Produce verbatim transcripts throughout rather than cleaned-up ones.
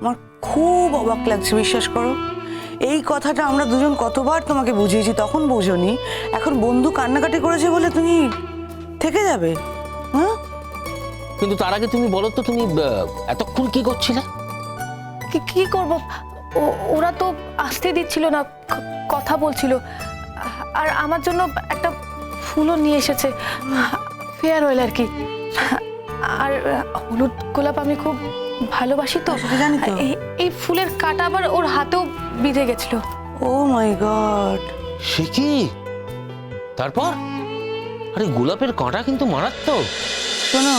আমার খুব অবাক লাগছে, বিশ্বাস করো। এই কথাটা আমরা দুজন কতবার তোমাকে বুঝিয়েছি, তখন বোঝোনি। এখন বন্ধু কান্নাকাটি করেছে বলে তুমি থেকে যাবে? হ্যাঁ, কিন্তু তার আগে তুমি বলো তো, তুমি এতক্ষণ কি করছিলে? কি কি করব, ওরা তো আসতে দিচ্ছিল না, কথা বলছিল। আর আমার জন্য একটা ফুলও নিয়ে এসেছে, ফেয়ারওয়েল আর কি। আর হলুদ গোলাপ আমি খুব ভালোবাসি তো, জানি তো। এই ফুলের কাঁটা আবার ওর হাতেও বিঁধে গেছিল। ও মাই গড! সে কি? তারপর? আরে গোলাপের কাঁটা কিন্তু মারাত্মক। শোনো,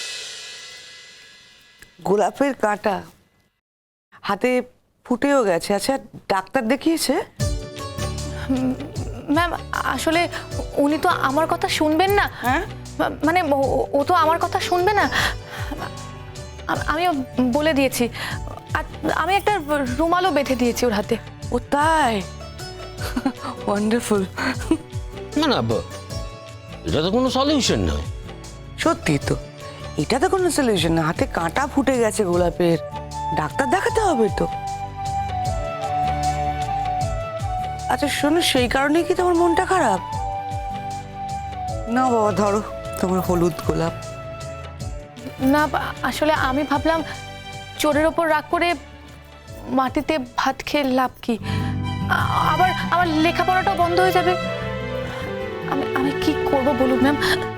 গোলাপের কাঁটা হাতে ফুটেও গেছে। আচ্ছা, ডাক্তার দেখিয়েছে? ম্যাম, আসলে উনি তো আমার কথা শুনবেন না। হ্যাঁ, মানে ও তো আমার কথা শুনবে না। আমিও বলে দিয়েছি, আর আমি একটা রুমালও বেঁধে দিয়েছি ওর হাতে। ও তাই? ওয়ান্ডারফুল। না না, এটা তো কোনো সলিউশন নয়। সত্যি তো, এটা তো কোনো সলিউশন না। হাতে কাঁটা ফুটে গেছে গোলাপের, ডাক্তার দেখাতে হবে তো। আচ্ছা শোনো, সেই কারণেই কি তোমার মনটা খারাপ? না বাবা, ধরো তোমার হলুদ গোলাপ। না, আসলে আমি ভাবলাম চোরের ওপর রাগ করে মাটিতে ভাত খেয়ে লাভ কি, আবার আমার লেখাপড়াটাও বন্ধ হয়ে যাবে। আমি আমি কি করব বলুন ম্যাম?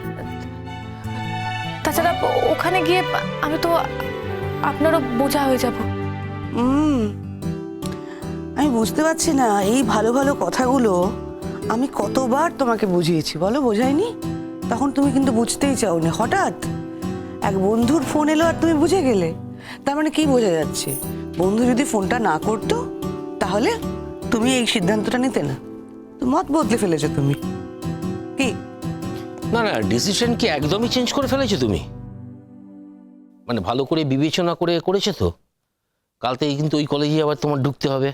তাছাড়া ওখানে গিয়ে আমি তো আপনারও বোঝা হয়ে যাব। হুম, আমি বুঝতে পারছি না, এই ভালো ভালো কথাগুলো আমি কতবার তোমাকে বুঝিয়েছি, বলো বোঝাইনি? তখন তুমি কিন্তু বুঝতেই চাওনি। হঠাৎ এক বন্ধুর ফোন এলো আর তুমি বুঝে গেলে। তার মানে কি বোঝা যাচ্ছে? বন্ধু যদি ফোনটা না করতো তাহলে তুমি এই সিদ্ধান্তটা নিতে না। তো মত বদলে ফেলেছো তুমি। কি? না না, ডিসিশন কি একদমই চেঞ্জ করে ফেলেছো তুমি? মানে ভালো করে বিবেচনা করে করেছো তো? কাল থেকে কিন্তু ওই কলেজে আবার তোমার ঢুকতে হবে,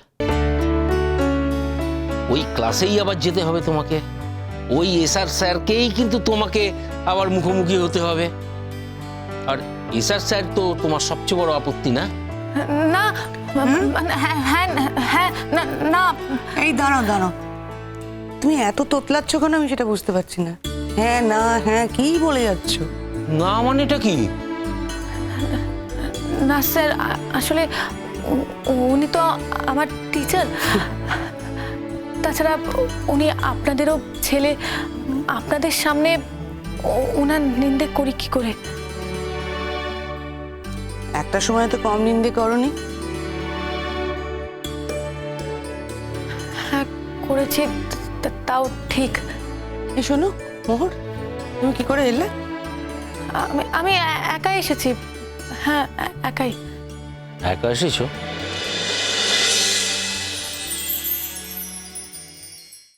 ওই ক্লাসেই আবার যেতে হবে তোমাকে, ওই এসআর স্যারকেই কিন্তু তোমাকে আবার মুখোমুখি হতে হবে। আর এসআর স্যার তো তোমার সবচেয়ে বড় আপত্তি, না? না, হ্যাঁ হ্যাঁ হ্যাঁ, না না। এই দাঁড়াও দাঁড়াও, তুমি এত তোতলাচ্ছ কেন আমি সেটা বুঝতে পারছি না। হ্যাঁ না হ্যাঁ কি বলে যাচ্ছ? না মানে এটা কি? না স্যার, আসলে উনি তো আমার টিচার। তাছাড়া উনি আপনাদেরও ছেলে, আপনাদের সামনে ওনার নিন্দে করি কি করে? একটা সময় তো কম নিন্দে করনি। হ্যাঁ করেছি, তাও ঠিক। এই শোনো মোহর, তুমি কি করে এলে? আমি আমি একাই এসেছি। হ্যাঁ একাই। একা এসেছো?